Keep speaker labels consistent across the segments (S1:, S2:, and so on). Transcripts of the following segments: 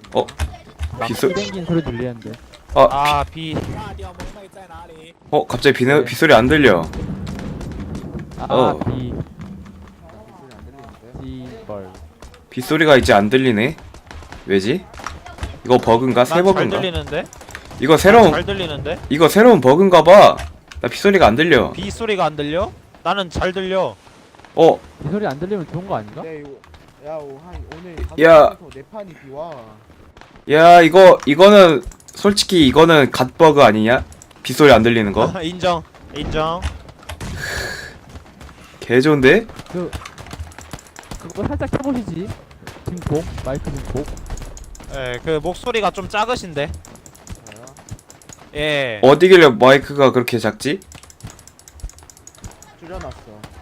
S1: 어? 빗소
S2: 땡긴 소리 들리는데.
S3: 아, 비.
S1: 갑자기
S2: 네.
S1: 빗소리 안 들려.
S2: 아, 비. 벌.
S1: 빗소리가 이제 안 들리네. 왜지? 이거 버그인가? 새
S3: 난 잘
S1: 버그인가?
S3: 들리는데?
S1: 이거
S3: 난
S1: 새로운
S3: 잘 들리는데?
S1: 이거 새로운 버그인가 봐. 나 빗소리가 안 들려.
S3: 비 소리가 안 들려? 나는 잘 들려.
S1: 어,
S2: 이 소리 안 들리면 좋은 거 아닌가?
S4: 네, 야, 오늘
S1: 야.
S4: 네 판이 비와.
S1: 야, 이거는 솔직히 이거는 갓 버그 아니냐? 빗소리 안 들리는 거?
S3: 인정. 인정.
S1: 개 좋은데?
S2: 그거 살짝 해보시지. 증폭, 마이크 증폭.
S3: 예, 그 목소리가 좀 작으신데.
S4: 저요?
S3: 예.
S1: 어디길래 마이크가 그렇게 작지?
S4: 줄여놨어.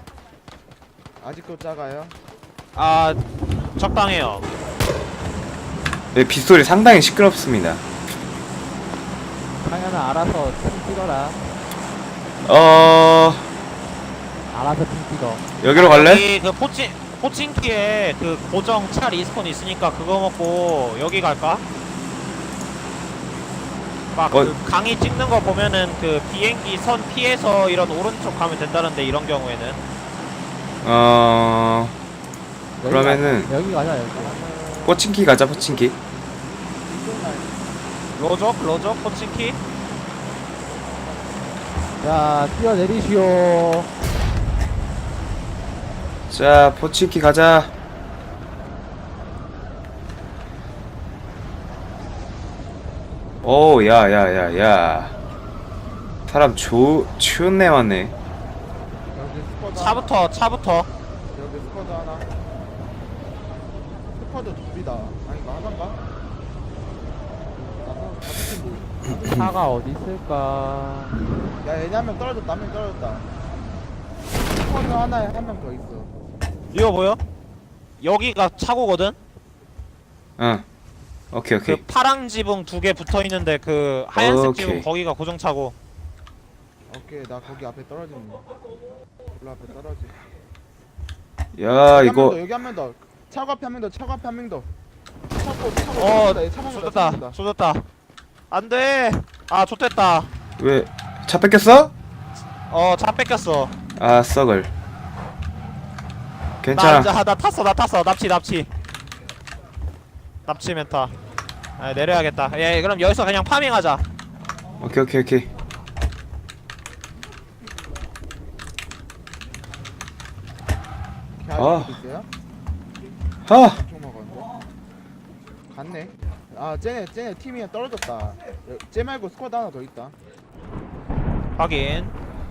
S4: 아직도 작아요?
S3: 아, 적당해요.
S1: 네, 빗소리 상당히 시끄럽습니다.
S2: 당연히 알아서 핑 찍어라. 알아서 핑 찍어.
S1: 여기로 갈래?
S3: 여기 그 포친키에 그 고정 차 리스폰 있으니까 그거 먹고 여기 갈까? 막 그 강의 찍는 거 보면은 그 비행기 선 피해서 이런 오른쪽 가면 된다는데 이런 경우에는
S2: 여기
S1: 그러면은
S2: 여기 가자 여기.
S1: 포친키 가자, 포친키.
S4: 이쪽 날
S3: 로저 포친키.
S2: 자 뛰어내리시오.
S1: 자, 포친키 가자. 오, 야. 사람 추운 내 왔네.
S4: 여기 스쿼드
S3: 차부터
S4: 여기 스쿼드 하나. 스쿼드 둘이다. 아니 이거 하나인가? 나도 다섯 팀
S2: 차가 어디 있을까?
S4: 야, 얘네 한 명 떨어졌다. 한 명 떨어졌다. 스쿼드 하나에 한 명 더 있어.
S3: 이거 보여? 여기가 차고거든?
S1: 응. 오케이.
S3: 그 파랑 지붕 두 개 붙어 있는데 그 하얀색
S1: 오케이.
S3: 지붕 거기가 고정 차고.
S4: 오케이, 나 거기 앞에 떨어지는 거. 별로 앞에 떨어지.
S1: 야,
S4: 여기
S1: 이거
S4: 여기 한 명 더. 차고 앞에 한 명 더. 차고 앞에 한 명 더. 차고
S3: 쏟았다. 쏟았다. 안 돼. 아, 좋됐다.
S1: 왜 차 뺏겼어?
S3: 차 뺏겼어.
S1: 아, 썩을. 괜찮아.
S3: 나 탔어. 납치 멘타. 아, 내려야겠다. 예, 그럼 여기서 그냥 파밍하자.
S1: 오케이. 아.
S4: 있어요?
S1: 하.
S4: 엄청 먹었는데? 갔네. 아, 쟤네 팀이 떨어졌다. 쟤 말고 스쿼드 하나 더 있다.
S3: 확인.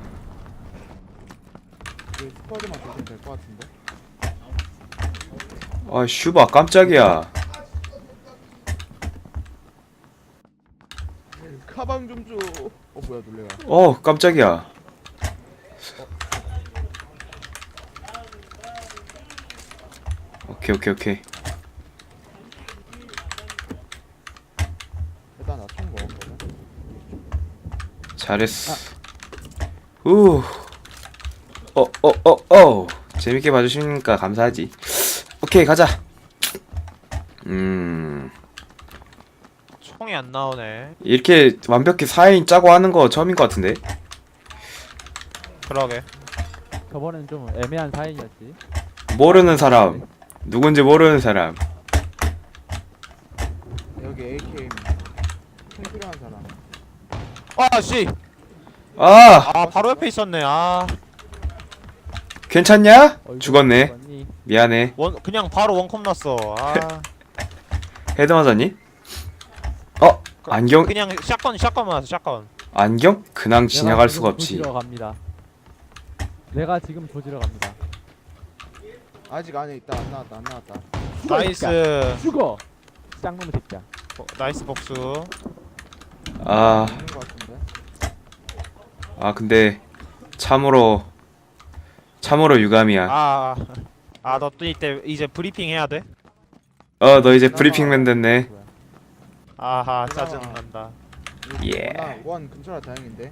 S4: 그 스쿼드만 보시면 될 것 같은데.
S1: 아, 슈바 깜짝이야.
S4: 가방 좀 줘. 뭐야, 놀래라.
S1: 깜짝이야. 오케이.
S4: 일단 나 총 먹었거든.
S1: 잘했어. 재밌게 봐주시니까 감사하지. 오케이, 가자.
S3: 총이 안 나오네.
S1: 이렇게 완벽히 4인 짜고 하는 거 처음인 것 같은데.
S3: 그러게.
S2: 저번엔 좀 애매한 사인이었지.
S1: 모르는 사람, 누군지 모르는 사람.
S4: 여기 AKM. 총 필요한 사람.
S3: 아, 씨.
S1: 아,
S3: 바로 옆에 있었네.
S1: 괜찮냐?
S2: 어이구,
S1: 죽었네.
S2: 죽었니?
S1: 미안해.
S3: 그냥 바로 원컵 났어.
S1: 헤드 맞았니? 안경?
S3: 그냥 샷건 맞았어. 샷건.
S1: 안경? 그냥
S2: 내가
S1: 지나갈
S2: 지금
S1: 수가 없지.
S2: 조지러 갑니다. 내가 지금 조지러 갑니다.
S4: 아직 안에 있다. 안 나왔다.
S2: 죽어, 이 새끼야.
S3: 나이스.
S2: 죽어. 쌍놈의 새끼야.
S3: 나이스 복수.
S1: 아,
S4: 있는 것 같은데.
S1: 근데 참으로 유감이야.
S3: 너 또 이제 브리핑 해야 돼?
S1: 너 이제 브리핑맨 됐네.
S3: 아하, 짜증난다.
S1: 예.
S4: 원 근처라 다행인데.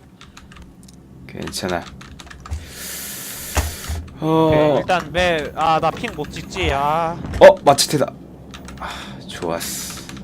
S1: 괜찮아.
S3: 오케이, 일단 나 핑 못 찍지.
S1: 마치테다. 좋았어.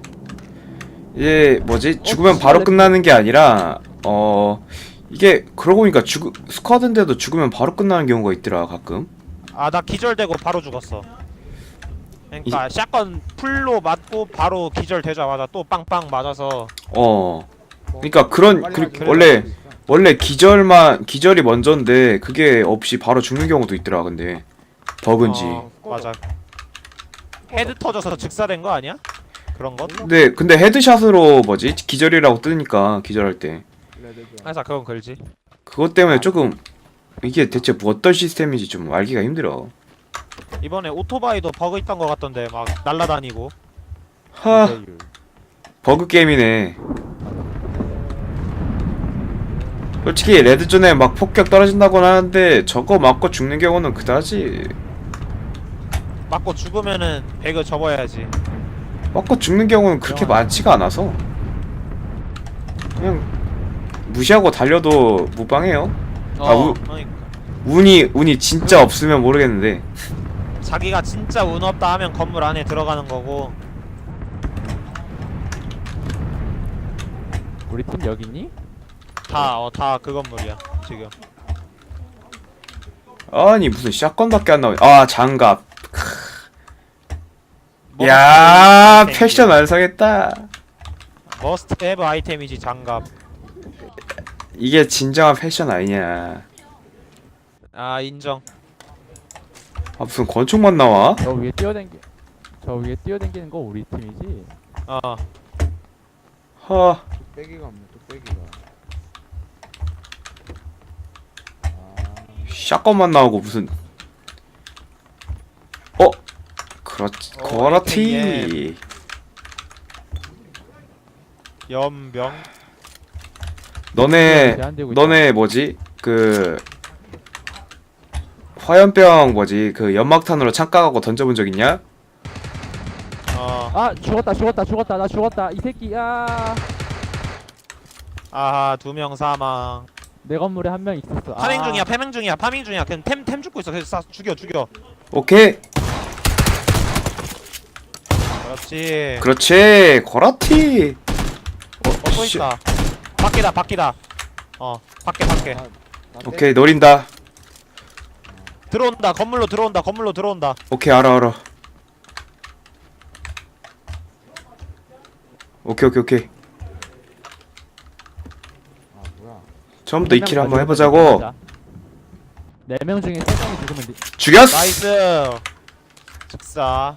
S1: 이게 뭐지? 죽으면 바로 끝나는 게 아니라 이게 그러고 보니까 스쿼드인데도 죽으면 바로 끝나는 경우가 있더라 가끔.
S3: 아 나 기절되고 바로 죽었어. 그러니까 샷건 풀로 맞고 바로 기절되자마자 또 빵빵 맞아서.
S1: 그러니까 그런
S4: 빨리 가지고
S1: 원래
S4: 있어.
S1: 원래 기절이 먼저인데 그게 없이 바로 죽는 경우도 있더라. 근데 버그인지.
S3: 맞아. 헤드 터져서 즉사된 거 아니야? 그런 건?
S1: 근데 헤드샷으로 뭐지? 기절이라고 뜨니까 기절할 때
S4: 레드존.
S3: 항상 그건 걸지.
S1: 그것 때문에 조금 이게 대체 뭐 어떤 시스템인지 좀 알기가 힘들어.
S3: 이번에 오토바이도 버그 있던 거 같던데 막 날라다니고.
S1: 하
S2: 기자율.
S1: 버그 게임이네. 솔직히 레드존에 막 폭격 떨어진다고는 하는데 저거 맞고 죽는 경우는 그다지.
S3: 맞고 죽으면은 배그 접어야지.
S1: 맞고 죽는 경우는 그렇게 많지가 않아서 그냥 무시하고 달려도 무방해요.
S3: 그러니까
S1: 운이 진짜 없으면 모르겠는데.
S3: 자기가 진짜 운 없다 하면 건물 안에 들어가는 거고.
S2: 우리 팀 여기 있니?
S3: 다 그 건물이야 지금.
S1: 아니 무슨 샷건밖에 안 나오네. 아 장갑.
S3: 머스트
S1: 야
S3: 아이템이지.
S1: 패션 완성했다.
S3: 머스트 헤브 아이템이지 장갑.
S1: 이게 진정한 패션 아니냐.
S3: 아 인정.
S1: 아 무슨 권총만 나와?
S2: 저 위에 뛰어댕기는 거 우리 팀이지?
S1: 하
S4: 뚝배기가 없네. 뚝배기가.
S1: 샷건만 나오고 무슨 그렇지 그렇지.
S3: 연병.
S2: 제한되고 있다.
S1: 너네 뭐지 그 화염병 뭐지 그 연막탄으로 창가 가고 던져본 적 있냐?
S2: 아 죽었다 나 죽었다 이 새끼.
S3: 아하 2명 사망.
S2: 내 건물에 한 명 있었어.
S3: 파밍 중이야 파밍 중이야. 그냥 템 죽고 있어. 그래서 죽여.
S1: 오케이
S3: 그렇지.
S1: 그렇지 그렇지.
S3: 또 있다. 밖이다. 밖에.
S4: 나
S1: 오케이 노린다.
S3: 들어온다. 건물로 들어온다.
S1: 오케이 알아. 오케이
S4: 아 뭐야?
S1: 처음부터 이 킬 한번 해보자고.
S2: 4명 중에 3명이 죽으면
S1: 죽였어.
S3: 나이스. 즉사.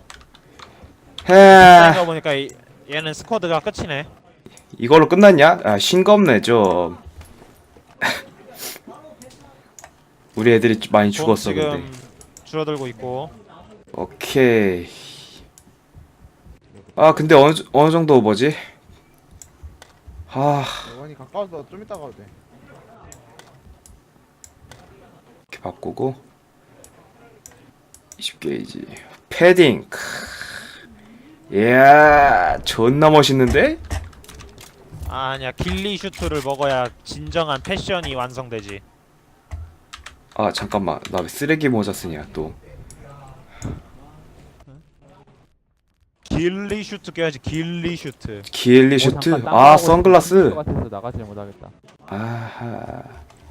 S1: 해
S3: 생각 보니까 얘는 스쿼드가 끝이네.
S1: 이걸로 끝났냐? 아 싱겁네 좀. 우리 애들이 많이 죽었어
S3: 지금
S1: 근데.
S3: 줄어들고 있고.
S1: 오케이. 아 근데 어느 정도 뭐지?
S4: 원이 가까워서 좀 이따 가도 돼.
S1: 이렇게 바꾸고 20게이지 패딩. 이야 존나 멋있는데?
S3: 아니야 길리 슈트를 먹어야 진정한 패션이 완성되지.
S1: 아 잠깐만 나 왜 쓰레기 모자 쓰냐 또.
S3: 길리 슈트 껴야지. 길리 슈트.
S1: 기엘리 슈트. 아 선글라스.
S2: 같아서 나가지 못하겠다.
S1: 아하.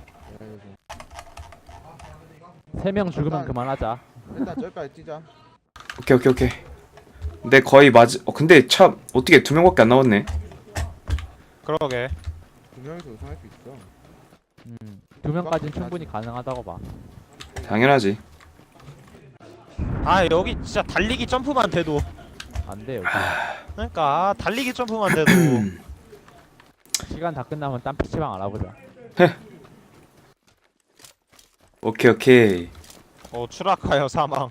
S2: 3명 죽으면
S4: 일단-
S2: 그만하자.
S4: 일단 저기까지 뛰자.
S1: 오케이. 근데 거의 근데 참 어떻게 2명밖에 안 나왔네.
S3: 그러게.
S4: 2명이서 우승할 수 있어.
S2: 2명까지는 충분히 가능하다고 봐.
S1: 당연하지.
S3: 아 여기 진짜 달리기 점프만 돼도.
S2: 안 돼, 여기.
S3: 그러니까 달리기 점프만 돼도.
S2: 시간 다 끝나면 딴 PC방 알아보자.
S1: 오케이.
S3: 추락하여 사망.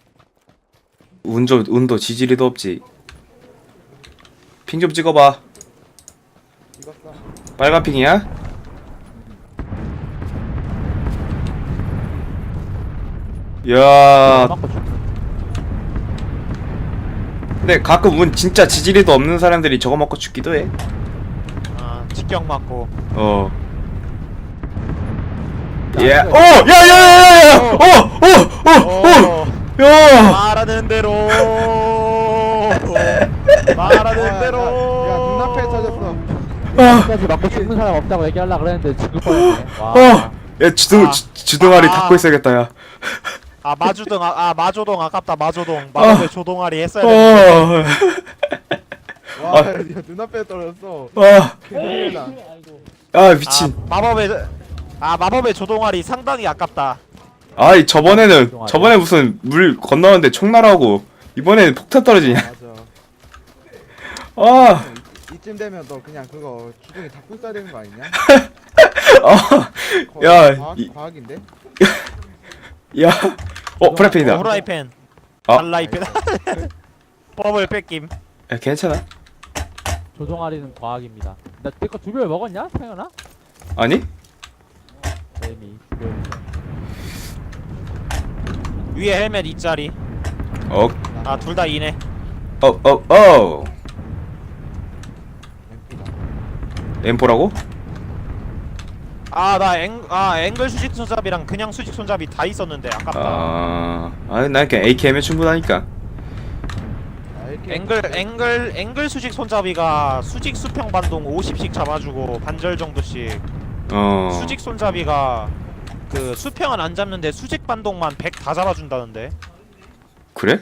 S1: 운도 지지리도 없지. 핑 좀 찍어봐.
S4: 찍었어.
S1: 빨간 핑이야? 야
S2: 맞고 죽.
S1: 근데 가끔 진짜 지지리도 없는 사람들이 저거 먹고 죽기도 해.
S3: 직격 맞고.
S1: 야, 야야야야야!
S3: 말하는 대로. 말하는 대로.
S4: 야 눈 눈앞에 터졌어.
S2: 끝까지 맞고 죽는 사람 없다고 얘기하려고 그랬는데 죽을 뻔했네. 와.
S1: 야 주둥아리 닫고 있어야겠다 야.
S3: 아 마조동 아깝다 마조동 마법의 조동아리 했어야 되는데
S4: 와, 야, 눈앞에 떨어졌어.
S1: 아
S4: 큰일이다.
S1: 미친.
S3: 마법의 조동아리 상당히 아깝다.
S1: 아이 저번에 무슨 물 건너는데 총 날아오고 이번에는 폭탄 떨어지냐.
S4: 맞아.
S1: 아
S4: 이쯤 되면 너 그냥 그거 주둥이 닫고 있어야 되는 거 아니냐?
S1: 야,
S4: 과학인데?
S1: 프라이팬이다.
S3: 후라이팬
S1: 아.
S3: 달라이팬 버블 뺏김.
S1: 야, 괜찮아.
S2: 조종아리는 과학입니다. 나 내거 두별 먹었냐? 태연아?
S1: 아니?
S2: 이미 두별.
S3: 위에 헬멧 2짜리.
S1: 어,
S3: 둘 다 2네.
S1: M4라고?
S3: 앵글 수직 손잡이랑 그냥 수직 손잡이 다 있었는데 아깝다.
S1: 난 그냥 AKM에 충분하니까.
S3: 앵글 수직 손잡이가 수직 수평 반동 50씩 잡아주고 반절 정도씩. 수직 손잡이가 그 수평은 안 잡는데 수직 반동만 100 다 잡아준다는데.
S1: 그래?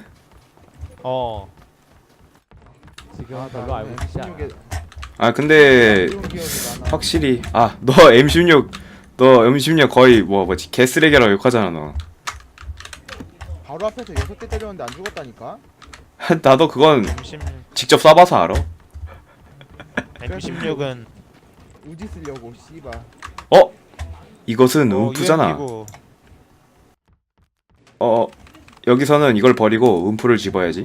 S2: 지금 별로 알고 있지 않아.
S1: 근데 확실히 너 M16 거의 뭐지 개쓰레기라고 욕하잖아 너.
S4: 바로 앞에서 6대 때렸는데 안 죽었다니까?
S1: 나도 그건
S3: M16,
S1: 직접 쏴봐서 알아.
S3: M16은
S4: 우지 쓰려고 씨발.
S1: 이것은 음푸잖아.
S3: UMP고.
S1: 여기서는 이걸 버리고 음푸를 집어야지.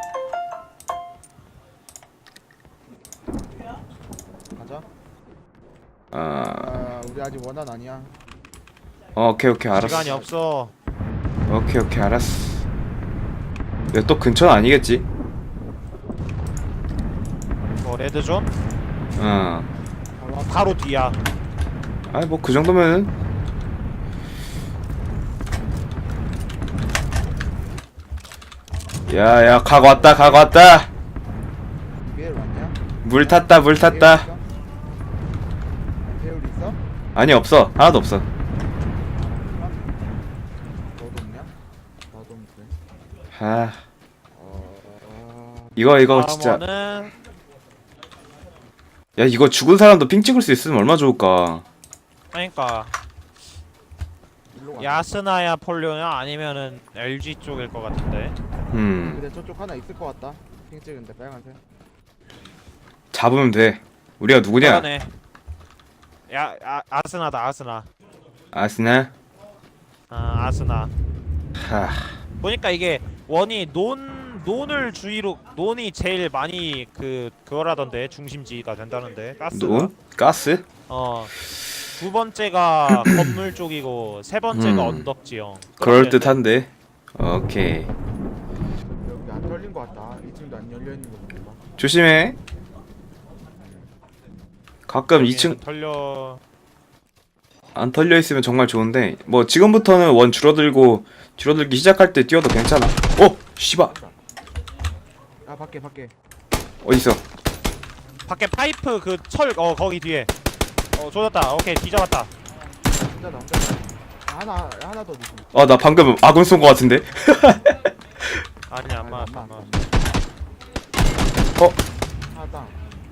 S4: 가자. 우리 아직 원한 아니야.
S1: 오케이 알았어.
S3: 시간이 없어.
S1: 오케이 알았어. 야, 또 근처는 아니겠지?
S3: 레드존?
S4: 바로
S3: 바로 뒤야.
S1: 뭐 그 정도면은. 야 각 왔다.
S4: 위에 왔냐?
S1: 물 탔다.
S4: 배율 있어?
S1: 아니 없어. 하나도 없어.
S4: 너도 없냐? 나도 없는데.
S1: 이거 진짜.
S3: 다음은
S1: 야, 이거 죽은 사람도 핑 찍을 수 있으면 얼마나 좋을까.
S3: 그러니까
S4: 일로 가.
S3: 야스나야 폴료냐 아니면은 LG 쪽일 것 같은데.
S4: 근데 저쪽 하나 있을 것 같다. 핑 찍은데 빨간색.
S1: 잡으면 돼. 우리가 누구냐?
S3: 그러네. 아스나다 아스나.
S1: 아스나?
S3: 아스나.
S1: 하.
S3: 보니까 이게 원이 논을 주위로 논이 제일 많이 그거라던데 중심지가 된다는데 가스가.
S1: 논? 가스?
S3: 두 번째가 건물 쪽이고 세 번째가 언덕 지형.
S1: 그럴 듯한데. 오케이.
S4: 여기 안 털린 것 같다. 2층도 안 열려 있는 거 보니까.
S1: 조심해. 가끔 2층
S3: 털려.
S1: 안 털려 있으면 정말 좋은데 뭐 지금부터는 원 줄어들기 시작할 때 뛰어도 괜찮아. 씨발.
S4: 밖에.
S1: 어디 있어?
S3: 밖에 파이프 그 철 거기 뒤에. 조졌다. 오케이 뒤잡았다.
S4: 혼자다. 하나 더 있어.
S1: 나 방금 아군 쏜 거 같은데.
S3: 아니야 안 맞았어.
S4: 하나 땅.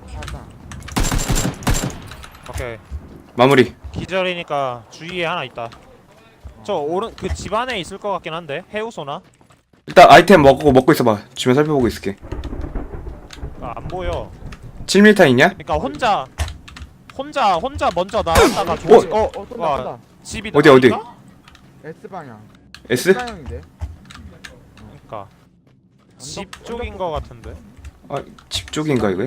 S3: 오케이.
S1: 마무리.
S3: 기절이니까 주위에 하나 있다. 저 오른 그 집 안에 있을 것 같긴 한데 해우소나?
S1: 일단 아이템 먹고 있어봐. 주변 살펴보고 있을게.
S3: 안 보여.
S1: 7m 있냐?
S3: 그러니까 혼자 먼저 나갔다가 조지.
S4: 쏜다.
S3: 집이
S1: 어디?
S3: 나가니까?
S4: S 방향.
S1: S?
S4: 방향인데.
S3: 그러니까 집 쪽인 것 같은데.
S1: 집 쪽인가 이거?
S4: 야,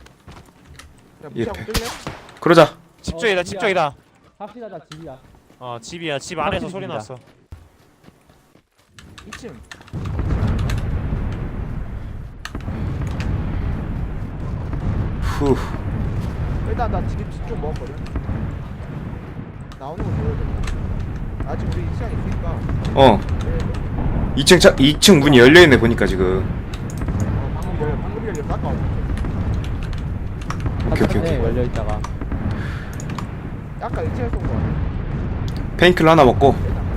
S4: 무시하고
S1: 예.
S4: 뜰래?
S1: 그러자.
S3: 집 쪽이다. 집 쪽이다.
S2: 확실하다 집이야.
S3: 집이야. 집 안에서
S2: 확실히
S3: 소리
S2: 집이다.
S3: 났어.
S4: 2층.
S1: 후.
S4: 일단 나 지금 좀 먹었거든. 나오는 거 보여줘. 아직 우리 시간 있으니까.
S1: 2층 문이 열려 있네 보니까 지금.
S4: 방금 열려. 아까 없었어.
S1: 오케이, 오케이, 오케이.
S2: 열려 있다가.
S4: 아까 일체에서 온 거 같아.
S1: 페인킬러 하나 먹고.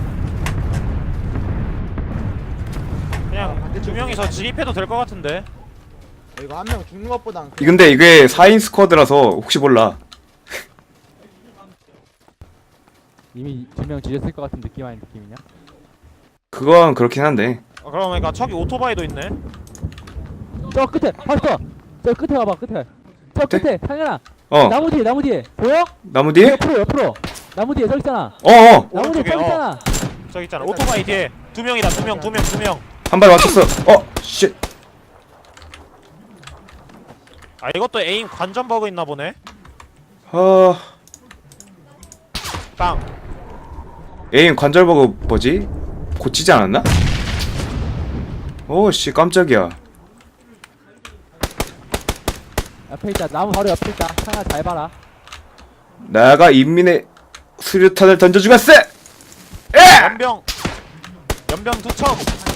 S3: 그냥 두 명이서 진입해도 될 것 같은데.
S4: 이거 한 명 죽는 것보단
S1: 근데 이게 4인 스쿼드라서 혹시 몰라.
S2: 이미 2명 지렸을 것 같은 느낌 아닌 느낌이냐?
S1: 그건 그렇긴 한데.
S3: 그러니까 저기 오토바이도 있네.
S2: 저 끝에 봤어. 저 끝에 와봐 끝에. 저 끝에 상현아.
S1: 어,
S2: 나무 뒤에 보여?
S1: 나무 뒤에?
S2: 옆으로. 나무 뒤에 서 있잖아.
S1: 어어,
S2: 나무 뒤에
S3: 오른쪽에,
S2: 서 있잖아.
S3: 저기 있잖아. 오토바이 뒤에 두 명이다. 두 명.
S1: 한 발 맞췄어. 쉣.
S3: 아 이것도 에임 관전 버그 있나 보네. 땅.
S1: 에임 관절 버그 뭐지? 고치지 않았나? 오씨 깜짝이야.
S2: 옆에 있다. 나무 바로 옆에 있다. 상현아 잘 봐라.
S1: 나가 인민의 수류탄을 던져 주겠어.
S3: 연병 투척.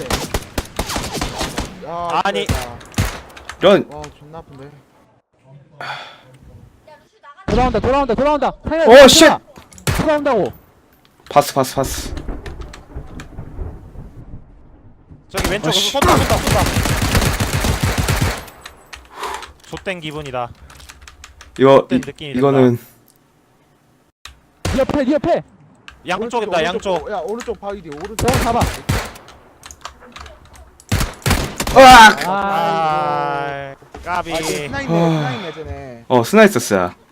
S4: 야,
S3: 아니.
S1: 이런.
S4: 와 존나 아픈데.
S2: 돌아온다. 상현아.
S1: 오, 쉣!
S2: 돌아온다고.
S1: 파스.
S3: 저기 왼쪽으로
S1: 아씨.
S3: 쏜다. 좆된 기분이다. 어떤 느낌이
S1: 이거는
S2: 네 옆에.
S3: 양쪽이다. 양쪽.
S4: 야 오른쪽 바위디 오른쪽.
S2: 저거 잡아.
S1: 으악!
S3: 아 까비.
S4: 아 이거 스나이네 쟤네.
S1: 스나 있었어.